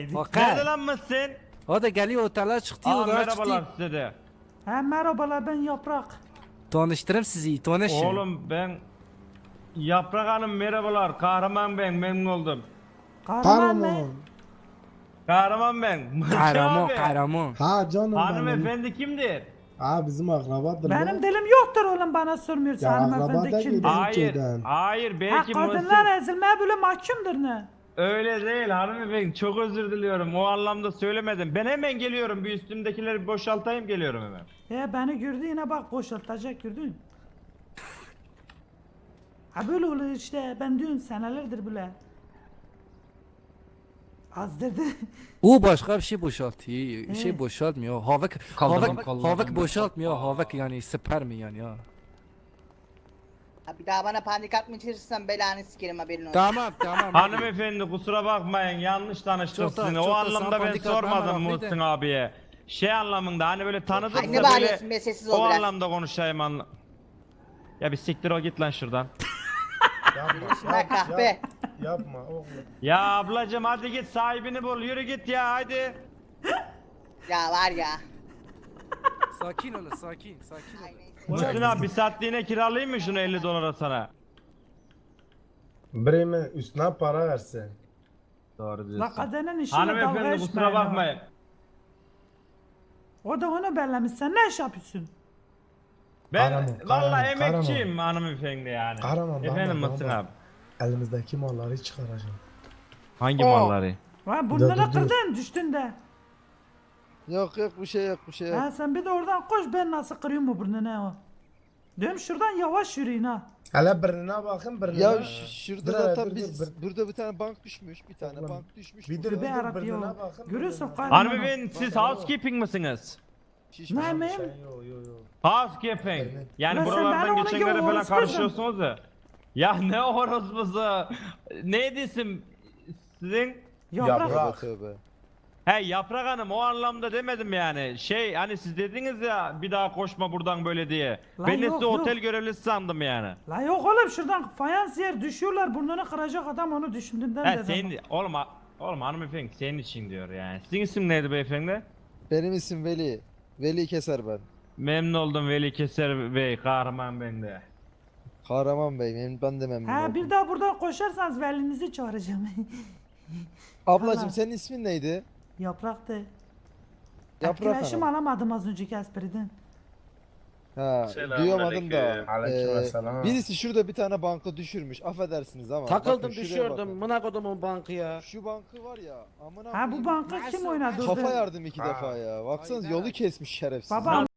Bakar. Nerede lan mısın? O da geliyor otele çıktı. Aa, Odaya merhabalar çıktı. size de. Ha merhabalar ben Yaprak. Tanıştırayım sizi. Tanışın. Oğlum ben Yaprak Hanım merhabalar. Kahraman ben, memnun oldum. Kahraman mı? Kahraman. Kahraman ben. Kahraman Abi, kahraman. Ha canım benim. hanımefendi kimdir? Ha bizim akrabadır Benim lan. dilim yoktur oğlum bana sormuyorsun Ya hanımefendi akraba değil, kimdir? bizim Hayır, köyden. hayır Ha belki kadınlar ezilmeye böyle mahkumdur ne? Öyle değil hanımefendi, çok özür diliyorum, o anlamda söylemedim. Ben hemen geliyorum, bir üstümdekileri bir boşaltayım, geliyorum hemen. Beni gördü yine bak boşaltacak gördün. Ha böyle oluyor işte ben diyorum senelerdir böyle. Az dedi. O başka bir şey boşaltıyor. Bir şey Evet. boşaltmıyor. Havak havak boşaltmıyor. Havak yani sperm yani ya. Ha, bir daha bana panik atmayacaksan belanı sikerim haberin olsun. Tamam tamam. Hanımefendi kusura bakmayın, yanlış tanıştık Çok da- sizinle. çok O da anlamda ben sempatik adam, sormadım meraklıydı. Muhsin abiye. Şey anlamında hani böyle tanıdık Ay, da ne böyle bağırıyorsun be, sessiz ol o biraz. anlamda konuşayım Ya bir siktir o git lan şuradan. Şuna kahpe. Yapma oğlum. Ya ablacım hadi git sahibini bul, yürü git ya hadi. Ya var ya. Sakin olun sakin. Sakin Ay, olun. neyse. Muhsin abi bir saatliğine kiralayayım mı şunu 50 dolara sana? Bremen üstüne para versin. Doğru La diyorsun. kadenin işine dalga Hanımefendi kusura geçmeyin. bakmayın. O da onu bellemiş sen ne iş yapıyorsun? Ben Kahraman, vallahi kahraman, emekçiyim hanımefendi yani. Kahraman, Efendim bana Muhsin bak. abi. Elimizdeki malları çıkaracağım. Hangi Oo. malları? Ha burnunu dur. kırdın düştün de. Yok yok bir şey yok bir şey yok. Ha sen bir de oradan koş ben nasıl kırıyorum bu burnunu o. Diyorum şuradan yavaş yürüyün ha. Hele birine bakın birine. Ya şurada Dur, zaten dur, biz dur. burada bir tane bank düşmüş. Bir tane Oğlum, bank düşmüş. bir burada. dur, Be dur, Arap birine ya. bakın, Görüyorsun birine. kahraman. Hanımefendi siz housekeeping misiniz? Şişmiş. Ne miyim? Şey, yo, yo, yo. Housekeeping. Evet. Yani Ulan sen buralardan bana onun geçenlere gibi falan orospusun. karışıyorsunuz ya. Ya ne orospusu? Neydi isim sizin? Yaprak. Yaprak. Tövbe tövbe. He Yaprak Hanım o anlamda demedim yani. Şey hani siz dediniz ya bir daha koşma buradan böyle diye. Lan Ben de yok, sizi yok. otel görevlisi sandım yani. La yok oğlum şuradan fayans yer düşüyorlar burnunu kıracak adam onu düşündüğünden He dedim. senin oğlum hanımefendi senin için diyor yani. Sizin isim neydi beyefendi? Benim isim Veli. Veli Keser ben. Memnun oldum Veli Keser Bey, kahraman ben de. Kahraman Bey ben de memnun Ha oldum. bir daha buradan koşarsanız velinizi çağıracağım. Ablacım Allah. senin ismin neydi? Yapraktı. Yaprak Etkileşim Hanım. alamadım az önceki espriden. Ha, duyamadım da. Aleykümselam. Birisi şurada bir tane banka düşürmüş. Affedersiniz ama. bakın Takıldım şuraya düşüyordum. bakın. Mına kodumun bankı ya. Şu bankı var ya. Amına Ha bu koyayım, banka kim oynadı? Kafa orada? yardım 2 defa ya. Baksanız yolu kesmiş şerefsiz. Baba